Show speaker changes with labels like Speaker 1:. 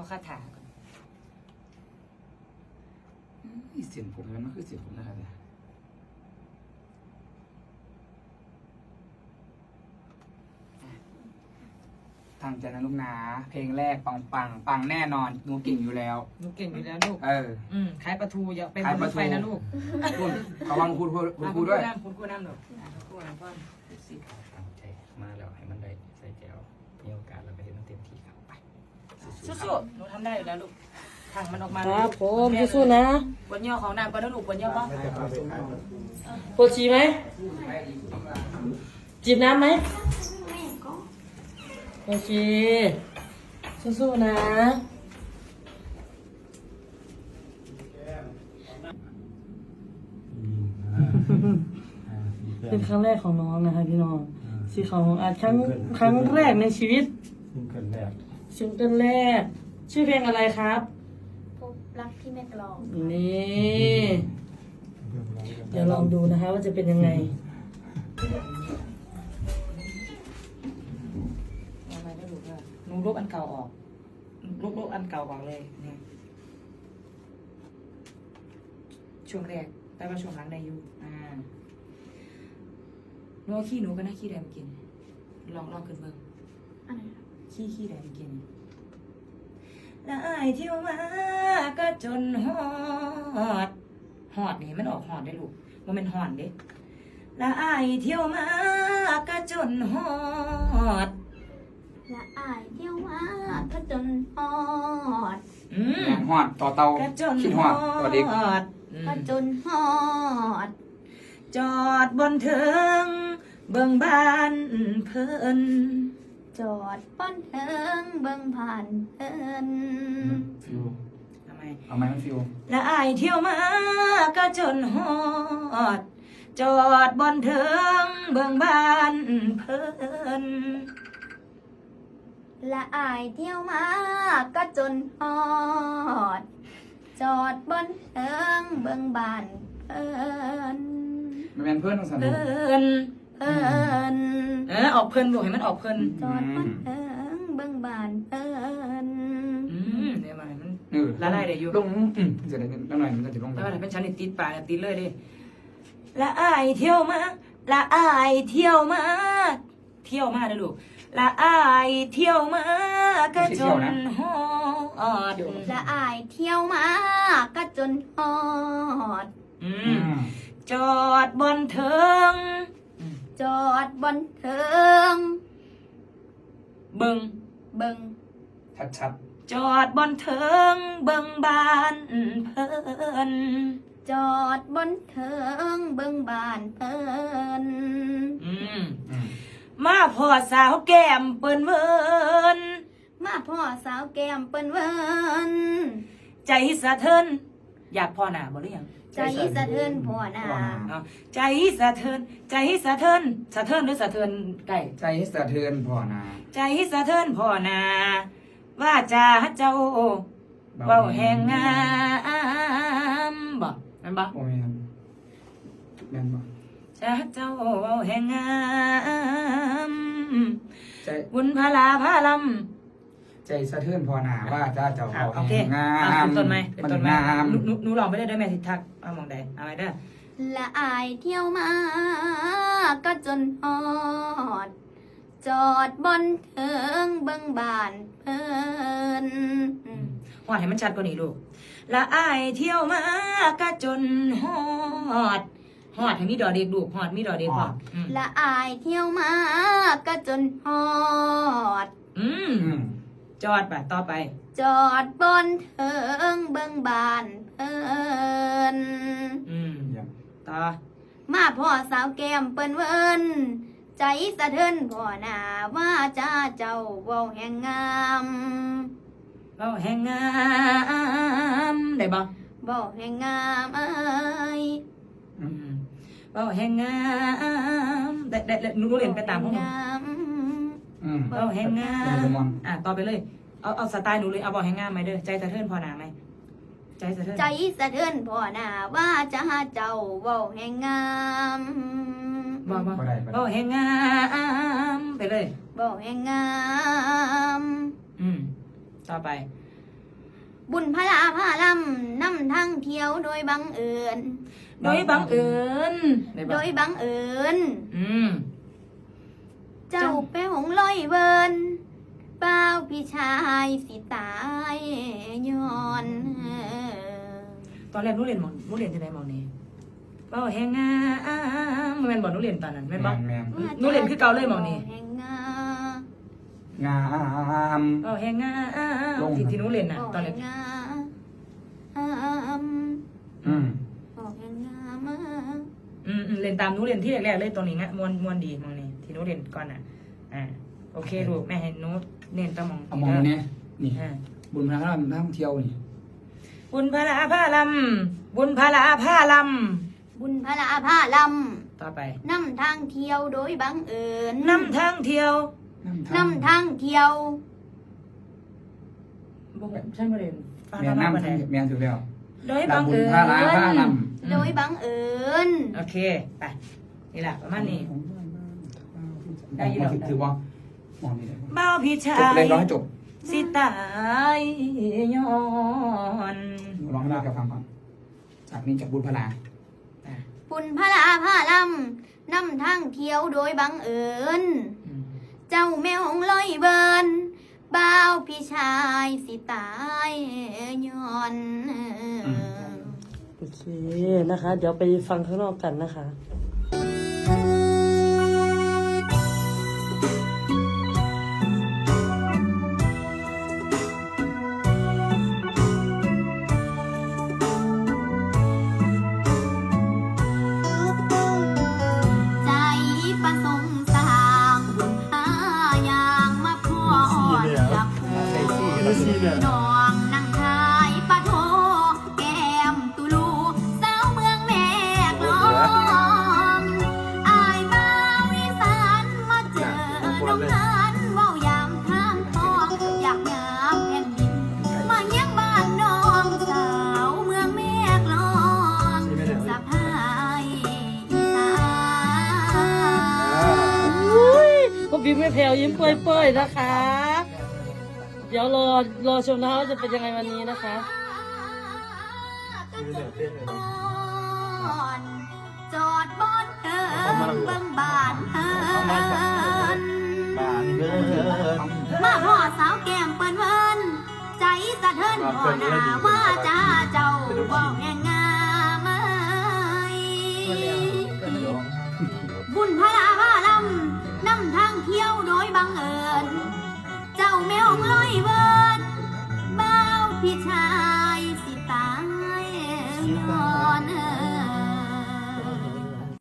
Speaker 1: คาถาก่อน
Speaker 2: เสียงผมมันคือเสียงผมนะครับเนี่ยตั้งใจนะลูกนะเพลงแรกปังแน่นอนหนูเก่งอยู่แล้ว
Speaker 1: หนูเก่งอยู่แล้วลูกขายปลาทูอย่าไปบนรถไฟนะลูก
Speaker 2: คุณระวังคุณครูด้วย
Speaker 1: คุณครูน้ำหนูคุณครูน้ำพ่อสิ
Speaker 2: ตั้งใจมาแล้วให้มันได้ใส่แก้วมีโอกาสเราไปเห็นมันเต็มที่ครับไป
Speaker 1: สู้ๆหนูทำได้อยู่แล้วลูกถังมันออกมา
Speaker 3: ครับผมสู้ๆนะ
Speaker 1: บนย่อของน้ำก็ได้ลูกบนย่อป่ะ
Speaker 3: ปวดฉี่ไหมจีบน้ำไหมโอเคสู้ๆนะเป็นครั้งแรกของน้องนะคะพี่น้องสีขาวของอาร์ตครั้งแรกในชีวิตซิงเกิลแรกชื่อเพลงอะไรครับ
Speaker 4: พบรักที่แม่กลอง
Speaker 3: นี่เดี๋ยวลองดูนะคะว่าจะเป็นยังไง
Speaker 1: เอาไปได้ลูกเลยหนูลบอันเก่าออกลบอันเก่าออกเลยเนี่ยช่วงแรกแต่ว่าช่วงหลังได้อยู่หนูเอาขี้หนูก็น่าขี้แดงกินลองขึ้นเบิ่ง
Speaker 4: อันไหนครับ
Speaker 1: ขี้แดงกินได้เที่ยวมาก็จนฮอดนี่มันออกฮอดได้ลูกว่ามันฮอดเด้ได้เที่ยวมาก็จนฮอด
Speaker 4: และอายเที่ยวมาก็จนฮอด
Speaker 2: แรงหอดต่อเตา
Speaker 1: ก็จน
Speaker 2: คิด
Speaker 1: ฮ
Speaker 2: ห
Speaker 1: อ
Speaker 2: อดต่อเด็ก
Speaker 1: ด
Speaker 4: ก็จนฮอด
Speaker 1: จอดบนเทิงเบิ่งบ้านเพิ่น
Speaker 4: จอดป้อนเทิงเบิ่งผ่านเอิน
Speaker 2: ฟิว
Speaker 1: ทำไม
Speaker 2: เอาไหมมันฟิว
Speaker 1: และอายเที่ยวมาก็จนฮอด จอดบนเทิงเบิ่งบ้านเพิ่น
Speaker 4: และอายเที่ยวมาก็จนฮอด จอดบนเทิงเบิ่งบ้านเอิน
Speaker 2: มันเป็นเพื่อนของสันติ
Speaker 1: เพิ่น
Speaker 4: เอิน
Speaker 1: ออกเพิ่นบอกให้มันออกเพิ่น
Speaker 4: จอดบนเทิงเบิ่งบ้านเอิน
Speaker 1: เดี๋ยวมัน
Speaker 2: ละลายได้อยู่ลงจะได้นิดหน่อยมันจะลง
Speaker 1: แล้วมันเป็นชั้นนี่ติดปากติดเลยดิละอายเที่ยวมาละอายเที่ยวมาเที่ยวมาเด้อลูกละอายเที่ยวมาก็จนฮอด
Speaker 4: และอายเที่ยวมาก็จนฮอด
Speaker 1: จอดบนเทิง
Speaker 4: จอดบนเทิง
Speaker 1: เบิ่ง
Speaker 4: เบิ่ง
Speaker 2: ชัด
Speaker 1: จอดบนเทิงเบิ่งบ้านเพิ่น
Speaker 4: จอดบนเทิงเบิ่งบ้านเพิ่น
Speaker 1: มาพ่อสาวแก้มเปิ้นเวิน
Speaker 4: มาพ่อสาวแก้มเปิ้นเวิน
Speaker 1: ใจสะเทินอยากพ่อหน้าบ่หรือยัง
Speaker 4: ใจสะเทือนพ่อหน้า
Speaker 1: เอาใจสะเทินใจสะเทินสะเทินหรือสะเทินไก่
Speaker 2: ใจสะเทือนพ่อนา
Speaker 1: ใจสะเทินพ่อหนาว่าจาเจ้าเว้าแห่งงามบ่แม่นบ่
Speaker 2: โอ้ยแม่นบ่
Speaker 1: จ้าเจ้าเว้าแห่งงาม
Speaker 2: ใจ
Speaker 1: บุญพลาพาลำ
Speaker 2: ใจสะเทือนพ่อนาว่าจะเจ้า
Speaker 1: โอเค
Speaker 2: งา
Speaker 1: เป็น
Speaker 2: ม
Speaker 1: ต้นไหมเป็น
Speaker 2: มัน
Speaker 1: ต้นไหม
Speaker 2: งาม
Speaker 1: หนูลองไม่ได้ด้วยแม่ทิทักเอามองใดเอาไว้เด้อ
Speaker 4: และอายเที่ยวมาก็จนฮอด จอดบนเทิงเบิ่งบ้านเพิ่น
Speaker 1: ฮอดให้มันชัดกว่านี้ลูกละอายเที่ยวมาก็จนฮอดให้มีดอเด็กลูกฮอดมีดอเด็กพอ
Speaker 4: และอายเที่ยวมาก็จนฮอด
Speaker 1: จอดป่ะต่อไป
Speaker 4: จอดบนเทิงเบิ่งบ้านเพิ่น
Speaker 1: ต่อ
Speaker 4: มาพ่อสาวแก้มเปิ้นเวินใจสะเทือนพ่อหน้าว่าจ้าเจ้าเว้าแห่งงาม
Speaker 1: เว้าแห่งงามได้บ่
Speaker 4: เว้าแห่งงามเอ้ย
Speaker 1: เว้าแห่งงามได้หนูเรียนไปตามพวกหนู
Speaker 4: งาม
Speaker 1: เว้าแห่งงามต่อไปเลยเอาสไตล์หนูเลยเอาเว้าแห่งงามไหมเด้อใจสะเทือนพอหนาไหมใจสะเทือน
Speaker 4: ใจสะเทือนพ่อหน้าว่าจ้าเจ้าเว้าแห่งงาม
Speaker 1: บ่
Speaker 2: บ่ได้
Speaker 1: เว้าแห่งงามไปเลย
Speaker 4: เว้าแห่งงาม
Speaker 1: ต่อไป
Speaker 4: บุญพลาพาลำนำทางเที่ยวโดยบังเอิญ
Speaker 1: โดยบังเอิญ
Speaker 4: โดยบังเอิญ
Speaker 1: อืม
Speaker 4: เจ้าไปหงลอยเวินเป้าพี่ชายสิตายย้อน
Speaker 1: ตอนแรกหนูเรียนที่ไหนหมองนี้เป้าแหงงามแม่นบ่หนูเรียนตอนนั้นแม่นบ่
Speaker 2: แม่น
Speaker 1: หนูเรียนคือเก่าเลยหมองนี้
Speaker 4: แห่งงาง
Speaker 2: าม
Speaker 1: เป้าแหงงามที่หนูเรียนน่ะตอนแรก
Speaker 4: แห่งงาม
Speaker 2: อืม
Speaker 4: แห่งงาม
Speaker 1: เรียนตามหนูเรียนที่แรกๆเลยตรงนี้งะมวนดีหมองนี้ที่หนูเรียนก่อนน่ะโอเคลูกแม่ให้หนูเน้นตามหมอง
Speaker 2: เอามองเนี่ยนี่
Speaker 1: อ่า
Speaker 2: บุญพระรามท่องเที่ยวนี่
Speaker 1: บุญพลาพาลำบุญพลาพาล
Speaker 4: บุญพลาพาล
Speaker 1: ำต่อไป
Speaker 4: ำนำทางเที่ยวโดยบังเอิญ
Speaker 1: นำทางเที่ยว
Speaker 4: นำทางเที่ยว
Speaker 1: บ่ฉันบ่เรียนฟัง
Speaker 2: แม่
Speaker 1: ธรรมะ
Speaker 2: น้ำ
Speaker 1: บ่ได้
Speaker 2: แม่ถูกแล้ว
Speaker 1: โดยบัง
Speaker 2: บุญ
Speaker 1: เอิญ
Speaker 2: พระราพาล
Speaker 4: โดยบังเอิญ
Speaker 1: โอเคไปนี่แหละประมาณนี้
Speaker 2: ำ
Speaker 1: ได้ยินหรอ
Speaker 2: ถือว่ามองนี่เลย
Speaker 1: เบ้าพี่ชา
Speaker 2: จบ
Speaker 1: ย
Speaker 2: เลยร้องให้จบ
Speaker 1: สิตายย้อน
Speaker 2: ร้องให้ได้กับฟังก่อนจากนี้จากบุญพระรา
Speaker 4: บุญพลาพาลำนำทางเที่ยวโดยบังเอิญ เจ้าแมวหงลอยเบินบ่าวพี่ชายสิตายย้อน
Speaker 3: โอเคนะคะ เดี๋ยวไปฟังข้างนอกกันนะคะ
Speaker 4: ใจประสงค์สร้างบุญหาอย่างมาพ่ออยากพูน้องนั่งทายปะโทแก้มตุลูสาวเมืองแม่กลองอายบ่าวอีสานมาเจอน้องนั้นเว้ายามทางทองอยากงามแผ่นดินมาเยี่ยงบ้านน้องสาวเมืองแม่กลองสะพายอีสาน
Speaker 3: ก็บิ๊กไม่แผ่วยิ้มเปื่อยๆนะคะ เดี๋ยวรอชมนะคะว่าจะเป็นยังไงวันนี้นะคะ
Speaker 4: จอดบนเทิงเบิ่งบานเทินมาพ่อสาวแก้มเปิ้นเวินใจสะเทินพ่อหน้าว่าจ้าเจ้าบอกแห่งงามบุญพลาพาลำนำทางเที่ยวโดยบังเอิญ เจ้าแมวลอย